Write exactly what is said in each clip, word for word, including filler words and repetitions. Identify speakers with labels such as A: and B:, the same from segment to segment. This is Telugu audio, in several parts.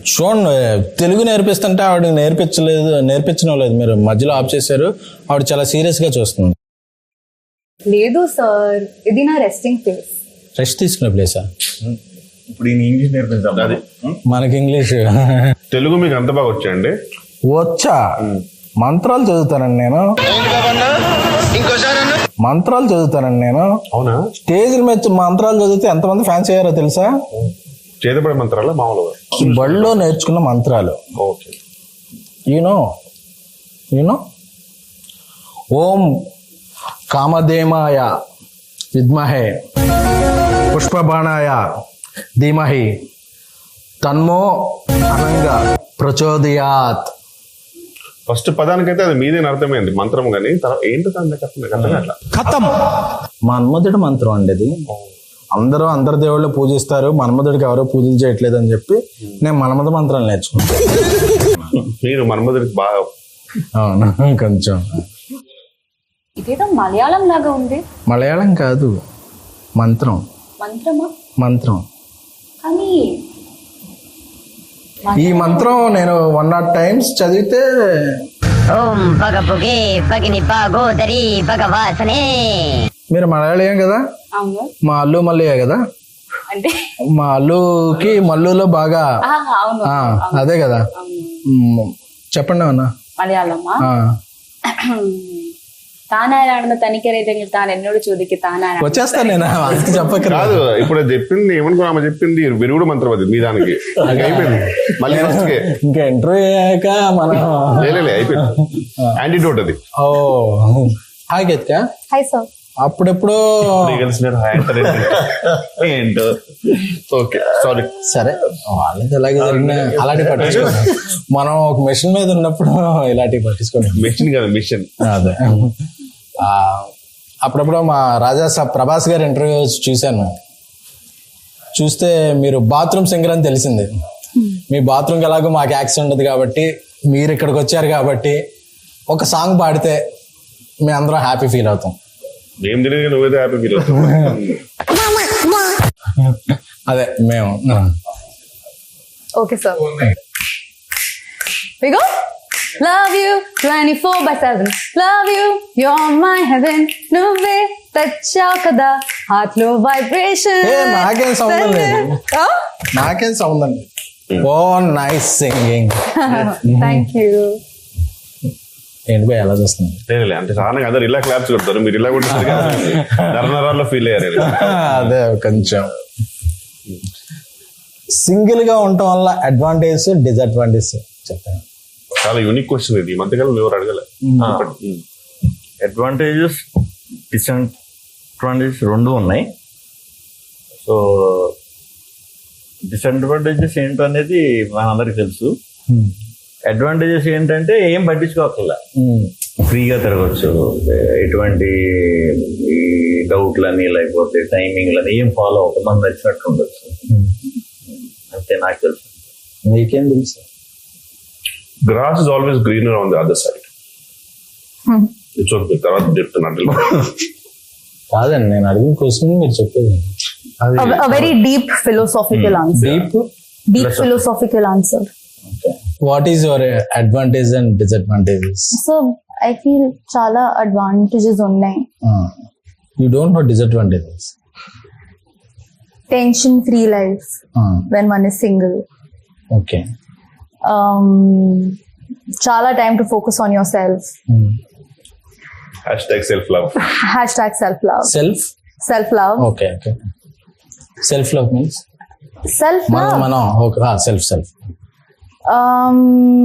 A: చూడండి, తెలుగు నేర్పిస్తుంటే ఆవిడ నేర్పించలేదు నేర్పించడం లేదు, మీరు మధ్యలో ఆఫ్ చేశారు. ఆవిడ చాలా సీరియస్ గా చూస్తుంది.
B: లేదు సార్, ఇది నా రెస్టింగ్ ప్లేస్.
A: రెస్ట్ తీసుకునే ప్లేసా?
C: ఇప్పుడు ఇంగ్లీష్ నేర్పించాలి. అది
A: మనకి ఇంగ్లీష్
C: తెలుగు మీకు అంత బాగా వచ్చాయండి?
A: వచ్చా, మంత్రాలు చదువుతానండి నేను, మంత్రాలు చదువుతానండి నేను.
C: అవునా?
A: స్టేజ్ మీద మంత్రాలు చదివితే ఎంతమంది ఫ్యాన్స్ అయ్యారో తెలుసా?
C: చేతపడే మంత్రాలు మామూలుగా
A: బడిలో నేర్చుకున్న మంత్రాలు.
C: ఓకే.
A: యూనో యూనో ఓం కామధేమాయ విద్మహే పుష్పబాణాయ ధీమహి తన్మో అనంగా ప్రచోదయాత్.
C: ఫస్ట్ పదానికైతే అది మీదేని అర్థమైంది మంత్రం, కానీ తర్వాత ఏంటో అర్థం అట్లా
A: ఖతం. మన్మధుడి మంత్రం అండి అది. అందరూ అందరు దేవుళ్ళు పూజిస్తారు, మన్మధుడికి ఎవరో పూజలు చేయట్లేదు అని చెప్పి నేను మన్మధ మంత్రాలు నేర్చుకున్నాను.
C: మీరు మన్మధుడికి బాగా
A: అవును కొంచెం.
B: ఇదేదో మలయాళం లాగా ఉంది.
A: మలయాళం కాదు, మంత్రం.
B: మంత్రమా?
A: మంత్రం.
B: కానీ
A: ఈ మంత్రం నేను వన్ నాట్ టైమ్స్ చదివితే
D: ఓం పగ పొగే పగిని పాగోదరి భగవాసనే.
A: మీరు మలయాళీయం కదా,
B: అవును.
A: మా అల్లు మల్లయ్య కదా,
B: అంటే
A: మా అల్లుకి మల్లులో బాగా
B: అవును
A: ఆ, అదే కదా. మ్, చెప్పండి అన్న.
B: మలయాళమా?
A: ఆ,
B: താനാരാണെന്ന് തനിക്കറിയതെങ്കിൽ താൻ എന്നോട് ചോദിക്ക് താനാരാണ്.
A: వచ్చేస్తాను నేను, అది చెప్పక
C: కాదు. ఇప్పుడు అది చెప్పింది ఏమనుకో, ఆమె చెప్పింది విరుగుడు మంత్రం అది మీ దానికి అయిపోయింది. మళ్ళీ ఫస్ట్ కే
A: ఇంకా ఇంటర్వ్యూ అయ్యాక మనం
C: లేలే అయిపోయింది. యాంటీడోట్ అది.
A: ఓ హాయ్ గీతిక.
B: Hi sir.
A: అప్పుడెప్పుడు
C: ఏంటో ఓకే సారీ.
A: సరే, వాళ్ళకి ఎలాగే జరిగిన అలాంటివి పట్టించుకోండి. మనం ఒక మెషిన్ మీద ఉన్నప్పుడు ఇలాంటివి పట్టించుకోండి.
C: మిషన్ కాదు మిషన్.
A: అదే ఆ, అప్పుడప్పుడు మా రాజా సాబ్ ప్రభాస్ గారి ఇంటర్వ్యూ చూశాను. చూస్తే మీరు బాత్రూమ్ సింగర్ అని తెలిసింది. మీ బాత్రూమ్కి ఎలాగో మాకు యాక్సెస్ ఉండదు కాబట్టి, మీరు ఇక్కడికి వచ్చారు కాబట్టి ఒక సాంగ్ పాడితే మేము అందరం హ్యాపీ ఫీల్ అవుతాం.
C: మేము తెలియదు, నువ్వేదో హ్యాపీ ఫీల్ అవుతావు.
A: అదే మేము.
B: Okay sir. We go. Love you twenty-four by seven. Love you, you're my heaven. నువ్వే తెచ్చావు కదా heart లో vibration.
A: ఏ నాకేం సంబంధం లేదు, నాకేం సంబంధం లేదు. ఓ నైస్ సింగింగ్.
B: Thank you.
A: ఏంటి పోయి ఎలా చూస్తుంది?
C: లేదు అంటే సాధారణంగా అందరు ఇలా క్లాప్స్ కొడతారు, మీరు ఇలా కొట్టేసరికి నరనరాల్లో ఫీల్ అయ్యారు.
A: అదే కొంచెం సింగిల్ గా ఉండటం వల్ల అడ్వాంటేజ్ డిసడ్వాంటేజ్ చెప్తాను.
C: చాలా యూనిక్ క్వశ్చన్ ఇది, ఈ మధ్యకాలంలో ఎవరు అడగలే.
E: అడ్వాంటేజెస్ డిసడ్వాంటేజెస్ రెండు ఉన్నాయి. సో డిసడ్వాంటేజెస్ ఏంటనేది మనందరికి తెలుసు. అడ్వాంటేజెస్ ఏంటంటే ఏం పట్టించుకోకల్లా, ఫ్రీగా తిరగచ్చు, ఎటువంటి ఈ డౌట్లని లేకపోతే టైమింగ్లని ఏం ఫాలో అవ్వక మనం నచ్చినట్టు ఉండొచ్చు. అంతే నాకు తెలుసు.
A: మీకేం తెలుసు?
C: Grass is always greener on the other side. It's okay, తర్వాత చెప్తున్నట్టు
A: కాదండి, నేను అడిగిన క్వశ్చన్ మీరు చెప్పేది.
B: A very deep philosophical answer.
A: Deep
B: Deep philosophical answer.
A: What is your advantage and disadvantages?
B: So I feel చాలా అడ్వాంటేజెస్ ఉన్నాయి.
A: You don't know disadvantages.
B: Tension free life when one is single.
A: Okay.
B: చాలా time to focus on yourself.
C: Hashtag self love.
B: Hashtag self love.
A: Self
B: self love.
A: Okay okay. Self love means
B: self
A: మనం
B: లవ్.
A: మనం okay self self.
B: Um,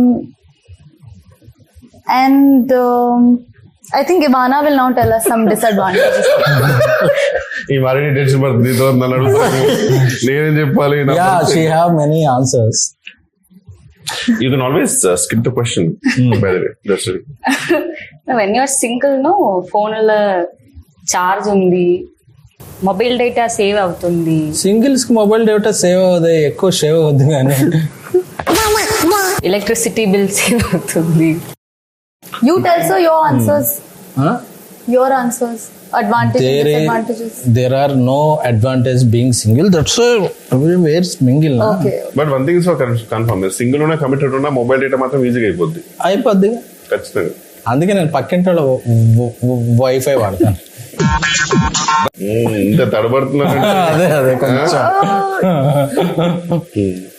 B: and um, I think Ivana will now tell us some disadvantages.
C: ఈ మరీ టెన్షన్ పడుతుంది, నన్ను అడుగుతాను నేనేం చెప్పాలి.
A: Yeah, she have many answers.
C: You can always uh, skip the question. By the way, that's it.
F: When you're single, no phone la charge undi, mobile data save అవుతుంది.
A: సింగిల్స్ కి మొబైల్ డేటా సేవ్ అవుతుంది, ఎక్కువ సేవ్ అవుతుంది కానీ
F: ఎలక్ట్రిసిటీ బిల్ సేవ్ అవుతుంది.
B: You tell sir your answers.
A: Huh?
B: Your answers. Advantage
A: there is
B: disadvantages.
A: there are no advantage being single. That's why everywhere mingle. na.
B: Okay
C: but one thing is confirm single ఉన్నా కమిటెడ్ ఉన్నా మొబైల్ డేటా మాత్రం ఈజీగా అయిపోద్ది
A: అయిపోద్ది.
C: ఖచ్చితంగా.
A: అందుకే నేను పక్కింటి వైఫై వాడతాను.
C: మ్మ్, ఇంత తడబడుతున్నా
A: అదే అదే కొంచెం